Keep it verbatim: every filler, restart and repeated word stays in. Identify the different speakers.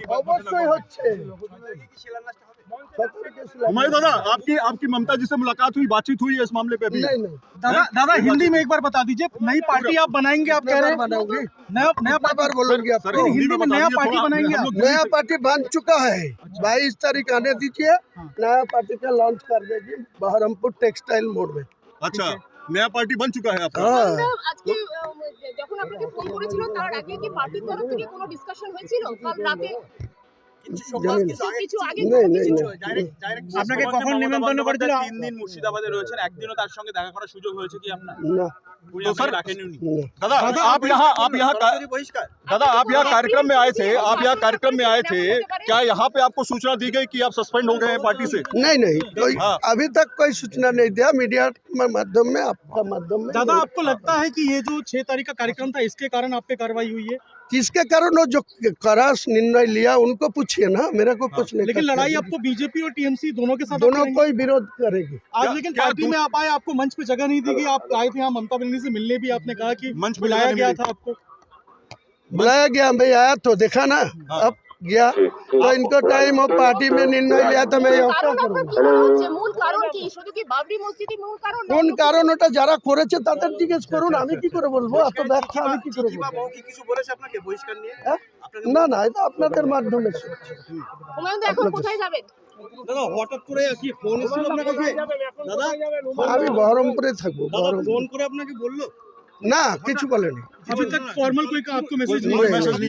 Speaker 1: অবশ্যই হচ্ছে।
Speaker 2: हुमायूं दादा, आपकी आपकी ममता जी से मुलाकात हुई, बातचीत हुई है इस मामले पे अभी?
Speaker 1: नहीं नहीं
Speaker 3: दादा दादा हिंदी में एक बार बता दीजिए, नई पार्टी आप बनाएंगे, आप कह रहे हैं
Speaker 1: बनाऊंगी,
Speaker 3: नया नया
Speaker 1: कितना बार बोलूंगी
Speaker 2: सर,
Speaker 1: आपको।
Speaker 3: हिंदी में
Speaker 2: बता
Speaker 3: नया
Speaker 2: दीजिए
Speaker 3: पार्टी
Speaker 2: थोड़ा,
Speaker 3: बनाएंगे
Speaker 2: हम
Speaker 3: आप?
Speaker 2: लोग दिल्ली
Speaker 1: नया
Speaker 2: से-
Speaker 1: पार्टी बन चुका है, बाईस तारीख आने दीजिए, नया पार्टी का लॉन्च कर देगी बहरमपुर टेक्सटाइल मोड़ में।
Speaker 2: अच्छा, नया पार्टी बन चुका है आपका?
Speaker 1: हाँ
Speaker 4: আজকে আহ, যখন আপনাকে ফোন করেছিল তার আগে কি পার্টির তরফ থেকে কোনো ডিসকাশন হয়েছিল কাল রাতে
Speaker 1: জানি না।
Speaker 4: কিছু কিছু আগে
Speaker 1: नहीं
Speaker 4: কোনো
Speaker 1: नहीं
Speaker 4: কিছু
Speaker 1: नहीं
Speaker 3: আপনাকে কখন নিমন্ত্রণ করেছিল?
Speaker 5: তিন দিন মুর্শিদাবাদে রয়েছেন, একদিনও তার সঙ্গে দেখা করার সুযোগ হয়েছে কি আপনার?
Speaker 1: ना
Speaker 5: উনি
Speaker 2: तो
Speaker 5: আপনাকে
Speaker 2: सर-
Speaker 5: ডাকেননি উনি?
Speaker 1: ना
Speaker 2: दादा, आप यहाँ आप यहाँ का-
Speaker 5: বহিষ্কার।
Speaker 2: दादा, आप यहाँ कार्यक्रम में आए थे, आप यहाँ कार्यक्रम में आए थे, क्या यहाँ पे आपको सूचना दी गई कि आप सस्पेंड हो गए हैं पार्टी से?
Speaker 1: नहीं नहीं कोई
Speaker 2: हाँ।
Speaker 1: अभी तक कोई सूचना नहीं दिया, मीडिया के माध्यम में, आपका माध्यम में।
Speaker 3: दादा आपको लगता है कि ये जो छह तारीख का कार्यक्रम था इसके कारण आप पे कार्रवाई हुई है?
Speaker 1: किसके कारण वो जो कड़ा निर्णय लिया उनको पूछिए ना, मेरा को कुछ नहीं।
Speaker 3: लेकिन
Speaker 1: कर
Speaker 3: लड़ाई
Speaker 1: सकते।
Speaker 3: आपको बीजेपी और टीएमसी दोनों के साथ आप
Speaker 1: दोनों
Speaker 3: करेंगे?
Speaker 1: कोई विरोध करेगी।
Speaker 3: आज
Speaker 2: क्या-
Speaker 3: लेकिन
Speaker 2: क्या
Speaker 3: पार्टी
Speaker 2: दूस-
Speaker 3: में आप आए, आपको मंच पे जगह नहीं दी गई, आप आए थे यहाँ ममता बनर्जी से मिलने भी, आपने कहा कि
Speaker 2: मंच पे
Speaker 3: बुलाया
Speaker 2: जगह नहीं
Speaker 3: गया
Speaker 2: मिली।
Speaker 3: था आपको।
Speaker 1: बुलाया गया, मैं आया तो देखा ना,
Speaker 2: हाँ।
Speaker 1: अब गया तो इनको टाइम और पार्टी में निर्णय लिया तो मैं यहाँ क्या
Speaker 4: কারণ আপনার
Speaker 1: करूँगा।
Speaker 4: কি মনে হচ্ছে মূল কারণ কি শুধু কি বাবরি মসজিদই মূল কারণ
Speaker 1: কোন কারণ ওটা যারা করেছে তাদের জিজ্ঞেস করুন, আমি কি করে বলবো, এত ব্যাখ্যা আমি কি করে
Speaker 5: চিঠি বা
Speaker 1: বলবো।
Speaker 5: মৌ কি কিছু বলেছে আপনাকে বহিষ্কার নিয়ে?
Speaker 1: হ্যাঁ? না না, এটা আপনাদের মাধ্যমে শুনছি।
Speaker 4: হুমায়ুন দা এখন কোথায় যাবেন
Speaker 3: দাদা হঠাৎ করে কি ফোন এসেছিল আপনার কাছে? দাদা
Speaker 1: আমি বহরমপুরে থাকবো।
Speaker 3: দাদা
Speaker 1: বহরমপুর
Speaker 3: ফোন করে আপনাকে বললো?
Speaker 1: না, কিছু বলেনি।
Speaker 3: अभी तक फॉर्मल कोई का आपको मैसेज
Speaker 2: कोई
Speaker 3: नहीं
Speaker 2: मैसेज
Speaker 3: आया?
Speaker 2: नहीं